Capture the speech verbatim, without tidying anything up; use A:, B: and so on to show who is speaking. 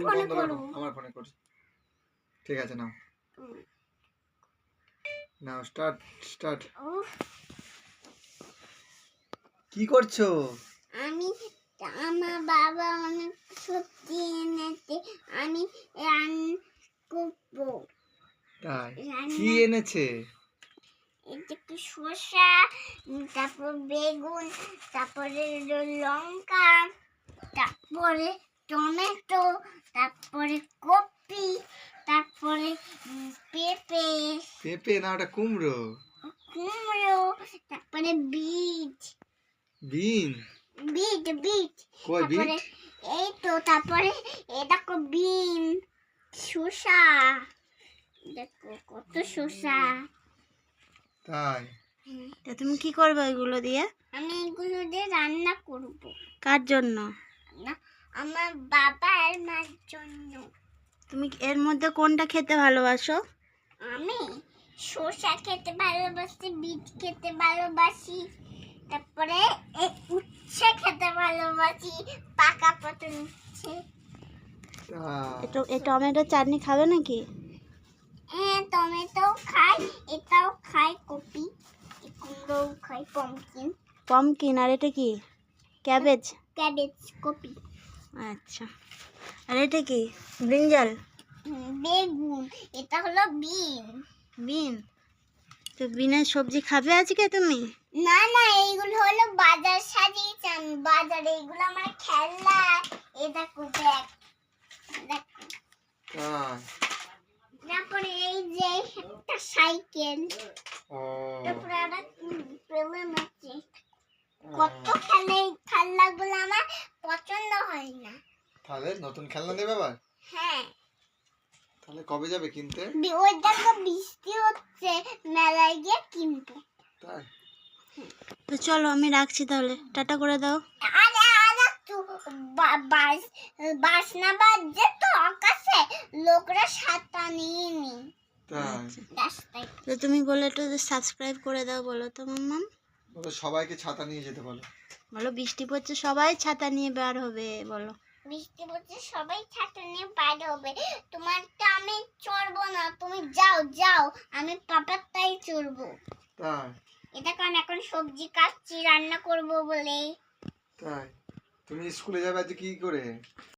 A: ফোনে করো, আমার ফোনে করো। ঠিক আছে, নাও নাও, স্টার্ট স্টার্ট। কি করছো?
B: আমি আমার বাবা অনেক সবজি এনেছে, আমি রান্না করবো।
A: তাই? কি এনেছে?
B: একটু শসা, তারপর বেগুন, তারপরে লঙ্কা, তারপরে টমেটো, তারপরে কপি, তারপরে পেঁপে।
A: পেঁপে না, ওটা কুমড়ো।
B: কুমড়ো, তারপরে বিট।
A: বিন?
B: বিট বিট
A: কই বিট?
B: এই তো, তারপরে এই দেখো বিন, শসা, দেখো কত শসা।
C: তাই? তা তুমি কি করবে এগুলো দিয়ে?
B: আমি এগুলো দিয়ে রান্না করব।
C: কার জন্য?
B: আমার বাবা আর মার জন্য।
C: তুমি এর মধ্যে কোনটা খেতে ভালোবাসো?
B: আমি শসা খেতে ভালোবাসি, বিট খেতে ভালোবাসি, তারপরে এই উচ্ছে খেতে ভালোবাসি, পাকা পটল উচ্ছে।
C: এটা এই টমেটো চাটনি খাবে নাকি?
B: হ্যাঁ, টমেটো খাই, এটাও খাই, কপি, কুমড়োও খাই, পমকিন।
C: পমকিন, আর এটা কি? ক্যাবেজ?
B: ক্যাবেজ, কপি।
C: আচ্ছা, আর এটা কি? ব্রিঞ্জাল?
B: বেগুন, এটা হলো বিন।
C: বিন? তো বিনের সবজি খাবে আজকে তুমি?
B: না না, এইগুলো হলো বাজার সাজিয়েছি আমি, বাজারে এইগুলো আমার খেলনা। এই দেখো ব্যাগ, দেখো। তারপরে এই যে একটা সাইকেল, তারপরে একটা পেলেন আছে। কত খেলে, এই খেলনাগুলো আমার পছন্দ হয় না।
A: তাহলে নতুন খেলনা নেবে আবার?
B: হ্যাঁ।
A: তাহলে কবে যাবে কিনতে?
B: ওই দেখো বৃষ্টি হচ্ছে, মেলায় গিয়ে কিনবো।
A: তাই?
C: তো চলো আমি রাখছি তাহলে, টাটা করে দাও।
B: আরে আরে তো বাস বাস না বাজছে তো আকাশে, লোকরা ছাতা নিয়ে নি।
A: তাই?
C: তো তুমি বলে একটু সাবস্ক্রাইব করে দাও, বলো তো মাম্মাম।
A: বলো সবাইকে ছাতা নিয়ে যেতে বলো।
C: বলো বৃষ্টি পড়ছে, সবাই ছাতা নিয়ে বের হবে, বলো।
B: বৃষ্টি পড়ছে, সবাই ছাতা নিয়ে বাইর হবে। তোমারটা আমি চড়বো না, তুমি যাও যাও, আমি পাপারটাই চড়বো।
A: তাই?
B: এটা কারণ এখন সবজি কাটছি রান্না করব বলে।
A: তাই? তুমি স্কুলে যাবে আজ কি করে?